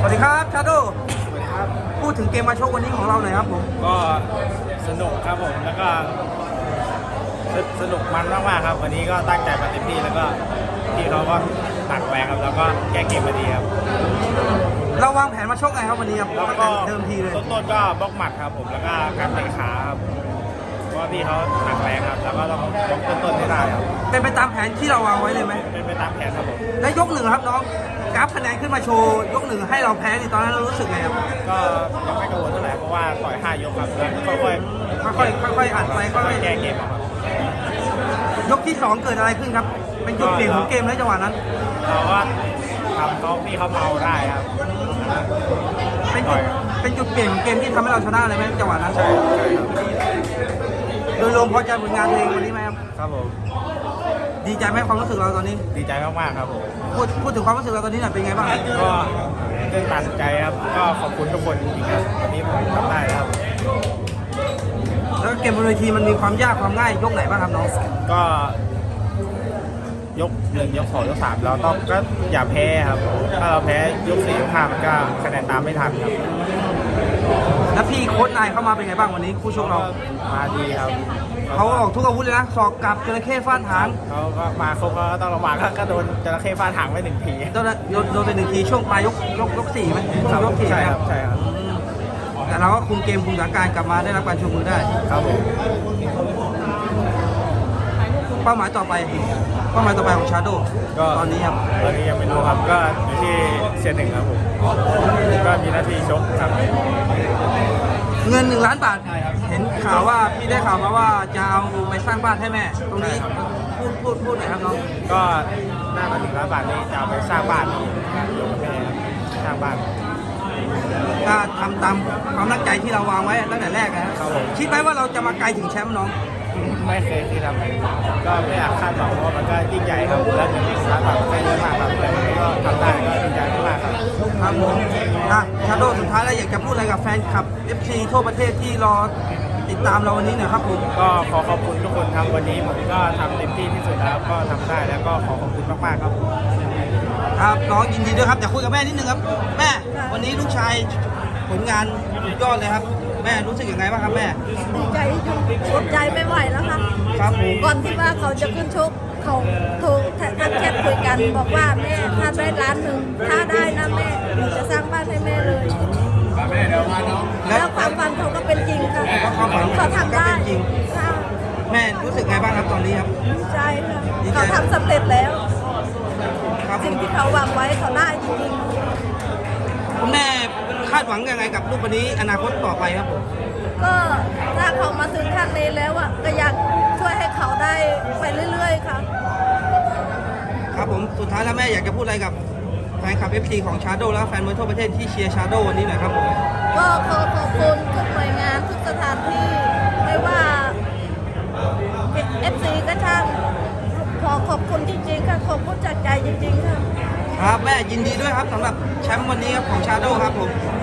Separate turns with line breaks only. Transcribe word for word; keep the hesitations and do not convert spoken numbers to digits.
วัสดีครับชาโด
สวัสดีครับ
พูดถึงเกมมาชกวันนี้ของเราหน่อยครับผม
ก็สนุกครับผมแล้วก็สนุกมันมากๆครับวันนี้ก็ตั้งใจมาเต็มที่แล้วก็พี่เขาก็หนักแรงครับแล้วก็แก้เกมมาดีครับ
เราวางแผนมาชกไงครับวันนี้ครับ
แล้วก็
เดิมทีเลย
ต้นๆก็บล็อกหมัดครับผมแล้วก็การเตะขาครับเพราะว่าพี่เขาหนักแรงครับแล้วก็ต้องบล็อกต้นๆให้ได้ครับ
เป็นไปตามแผนที่เราวางไว้เลยไหม
เป็นไปตามแผนครับผม
และยกหนึ่งครับน้องกราฟคะแนนขึ้นมาโชว์ยกหนึ่งให้เราแพ้ในตอนนั้นเรารู้สึกไงครับ
ก็ยังไม่กังวลเท่าไหร่เพราะว่าต่อยห้ายกครับแล้วค่อย
ๆค่อยๆค่อยๆอัดไปค่อย
ๆแก้เกมครับ
ยกที่สองเกิดอะไรขึ้นครับเป็นจุดเปลี่ยนของเกมในจังหวะนั้น
เราก็ทำเขาพี่เขาเมาได้ครับ
เป็นจุดเป็นจุดเปลี่ยนของเกมที่ทำให้เราชนะเลยไหมจังหวะนั้น
ใช่ครับ
โดยรวมพอใจผลงานเพลงวันนี้ไหมครับ
ครับผม
ดีใจไหมความรู้สึกเราตอนนี้
ดีใจมากๆครับผม
พูดพูดถึงความรู้สึกเราตอนนี้หน่อยเป็นไงบ้าง
ก็ตื่นตันใจครับก็ขอบคุณทุกคนจริงๆครับวันนี้ผมทำได้ครับ
แล้วเกมบนเวทีมันมีความยากความง่ายยกไหนบ้างครับน้อง
ก็ยกหนึ่งยกสองยกสามเราต้องก็อย่าแพ้ครับถ้าเราแพ้ยกสี่ยกห้ามันก็คะแนนตามไม่ทันครับ
แล้วพี่โค้ชนายเข้ามาเป็นไงบ้างวันนี้คู่ชกเรา
มาดีครับ
เขาออกทุกอาวุธเลยนะศอกกลับจระเข้ฟาดหาง
เขาก็มาครบก็ต้องระวังก็โดนจระเข้ฟาดหางไปหนึ่งที
โดนโดนไปหนึ่งทีช่วงปลายยกยกยกสี่ไหมช่วงยกสี่
ใช่ครับใช่ครับ
แต่เราก็คุมเกมคุมสถานการณ์กลับมาได้รับการชูมือได้
ครับผม
เป้าหมายต่อไปเป้าหมายต่อไปของชาโดก็ตอนนี้ครับ
ตอนนี้ยังไม่รู้ครับก็อยู่ที่เซียนหนึ่งครับผมก็มีหน้าที่ชกครับ
เงินหนึ่งล้านบาทเห็นข่าวว่าพี่ได้ข่าวมาว่าจะเอาไปสร้างบ้านให้แม่ตรงนี้พูดพูดพูดหน่อยครับน้อง
ก็หน้ามาถึงล้านบาทนี้จะเอาไปสร้างบ้านยกแม่สร้างบ้าน
ก็ทำตามความตั้งใจที่เราวางไว้ตั้งแต่แรกนะครับคิดไหมว่าเราจะมาไกลถึงแชมป์น้อง
ไม่เคยที่ทำก็ไม่อยากคาดหวังเพราะมันก็ยิ่งใหญ่ครับแล้วเงินล้านบาทก็เยอะมากครับแต่ก็ทำได้ก็ดีใจมากครับ
ครับผมอ่ะชาโดสุดท้ายแล้วอยากจะพูดอะไรกับแฟนคลับ เอฟ ซี ทั่วประเทศที่รอติดตามเราวันนี้หน่อยครับผม
ก็ขอขอบคุณทุกคนทำวันนี้ผมก็ทำเต็มที่ที่สุดแล้วก็ทำได้แล้วก็ขอขอบคุณมากๆครับ
ครับน้องยินดีด้วยครับอยากคุยกับแม่นิดนึงครับแม่วันนี้ลูกชายผลงานยอดเลยครับแม่รู้สึกยังไงบ้างครับแม่
ดีใจจนอดใจไม่ไหวแล้วค่ะ
ครับผม
ก่อนที่ว่าเขาจะขึ้นชกเขาโทรทักแชทคุยกันบอกว่าแม่ถ้าได้ล้านหนึ่งถ้าได้นะแม่หนูจะสร้างบ้านให้แม่เลยแล้วความฝันเขาก็เป็นจริงค่ะเขาทำได้
จริงแม่รู้สึกไงบ้างครับตอนนี้ครับ
ดีใจค่ะเขาทำสำเร็จแล้วสิ่งที่เขาวางไว้เขาได้จริง
ๆคุณแม่คาดหวังยังไงกับลูกคนนี้อนาคตต่อไปครับผม
ก็ถ้าเขามาถึงขั้นนี้แล้วอ่ะก็อยากช่วยให้เขาได้ไปเรื่อยๆค่ะ
ครับผมสุดท้ายแล้วแม่อยากจะพูดอะไรกับแฟนคลับ เอฟ ซี ของชาโดและแฟนมวยทั่วประเทศที่เชียร์ชาโดวันนี้หน่อยครับผม
ก็ขอขอบคุณทุกหน่วยงานทุกสถานที่ไม่ว่า เอฟ ซี ก็ช่างขอขอบคุณจริงๆค่ะขอบคุณจากใจจริงๆค่ะ
ครับแม่ยินดีด้วยครับสำหรับแชมป์วันนี้ครับของชาโดครับผม